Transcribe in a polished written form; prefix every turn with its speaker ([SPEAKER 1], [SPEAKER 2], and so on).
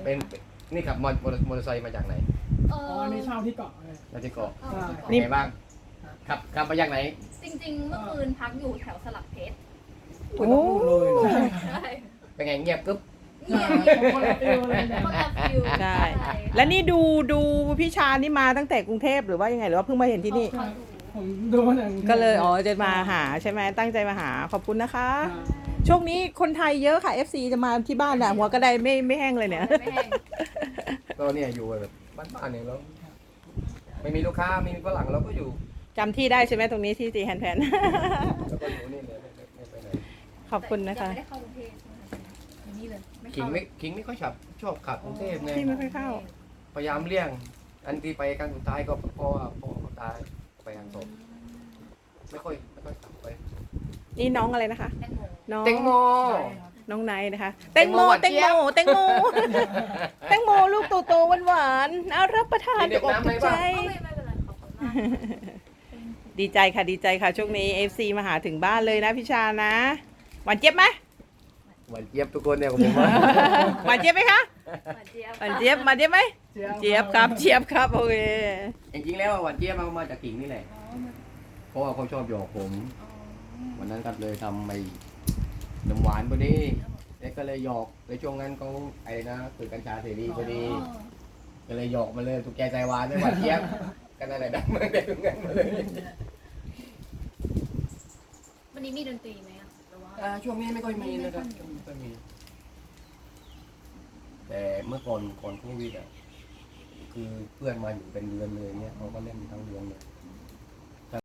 [SPEAKER 1] เป็นนี่ขับมอเตอร์ไซค์มาจากไหน
[SPEAKER 2] อ๋ออันนี้เช่าที่เกาะเลย
[SPEAKER 1] มาจากเกาะ
[SPEAKER 2] ใช่
[SPEAKER 1] เป็นไงบ้างขับมาจากไหน
[SPEAKER 3] จริงๆ เมื่อคืนพักอยู่แถวสลักเพชร
[SPEAKER 4] โอ้
[SPEAKER 2] เลยนะ
[SPEAKER 3] ใช่
[SPEAKER 1] เป็นไงเงียบกึ๊บ
[SPEAKER 3] เงียบ
[SPEAKER 2] คนละฟิลเลยเนี่ย
[SPEAKER 3] คนละฟิล
[SPEAKER 4] ใช่ และนี่ดูพี่ชานี่มาตั้งแต่กรุงเทพหรือว่ายังไงหรือว่าเพิ่งมาเห็นที่นี่
[SPEAKER 2] ผมดูมาจาก
[SPEAKER 4] ก็เลยจะมาหาใช่ไหมตั้งใจมาหาขอบคุณนะคะ ช่วงนี้คนไทยเยอะค่ะ FC จะมาที่บ้านน่ะหัวกระไดไม่แห้งเลยเนี่ย
[SPEAKER 3] ไม่แห้ง
[SPEAKER 1] ก็เนี่ยอยู่แบบบ้านๆเนี่ยแล้วไม่มีลูกค้าไม่มีฝรั่งเราก็อยู่
[SPEAKER 4] จำที่ได้ใช่ไหมตรงนี้ที่ตีแฮนด์แพน
[SPEAKER 1] แล้วก็อยู่นี่เลยไม่ไปไหน
[SPEAKER 4] ขอบคุณนะคะ
[SPEAKER 3] ยังไม่ได้เข้ากรุงเทพใช่ไหมคะอยู่นี่เลยไม่
[SPEAKER 1] ขิง
[SPEAKER 3] เข้า
[SPEAKER 1] ไม่ค่อยชอบขับกรุงเทพไง
[SPEAKER 4] ที่ไม่ค่อยเข้า
[SPEAKER 1] พยายามเลี่ยง อันที่ไปครั้งสุดท้ายก็เพราะว่าพ่อเขาตายไปงานศพไม่ค่อยขับไป
[SPEAKER 4] นี่น้องอะไรนะคะ
[SPEAKER 3] แตงโม
[SPEAKER 4] น้อง
[SPEAKER 1] แตงโม
[SPEAKER 4] น้องไนท์นะคะ
[SPEAKER 1] แตงโมหวานเจี๊ยบ
[SPEAKER 4] แตงโมลูกโตๆหวานๆน่ารับประทานถูกอกถูกใจ
[SPEAKER 3] ไม่เป็นไรขอบคุณมาก
[SPEAKER 4] ดีใจค่ะช่วงนี้ FC มาหาถึงบ้านเลยนะพี่ชานะหวานเจี๊ยบไหม
[SPEAKER 1] หวานเจี๊ยบทุกคนเนี่ยผมว่า
[SPEAKER 4] หวานเจี๊ยบไหมคะ
[SPEAKER 3] หวานเจี๊ยบ
[SPEAKER 4] หวานเจี๊ยบมาเจี๊ยบไหมเจี๊ยบครับโอเค
[SPEAKER 1] จริงๆแล้วหวานเจี๊ยบมาจากกิ่งนี่แหละ
[SPEAKER 3] อ๋อมัน
[SPEAKER 1] เพราะว่าเขาชอบหยอกผม
[SPEAKER 3] อ๋อ
[SPEAKER 1] วันนั้นก็เลยทำไปนมหวานพอดีแล้วก็เลยหยอกในช่วงนั้นเขาไอ้นะเปิดกัญชาเสรีพอดี ก็เลยหยอกมาเลยถูกแกใจหวานไม่หวานเจี๊ยบก็นั่นแหละดังมาได้ตรงนั้นมาเลย
[SPEAKER 3] วันนี้มีดนตรีไหมอ่ะหรือว่า
[SPEAKER 1] ช่วงนี้ไม่ค่อยมีนะครับช่วงนี้ไม่ค่อยมี แต่เมื่อก่อนโควิดอ่ะคือเพื่อนมาอยู่เป็นเดือนเลยเนี่ยเขาก็เล่นทั้งเดือนเลย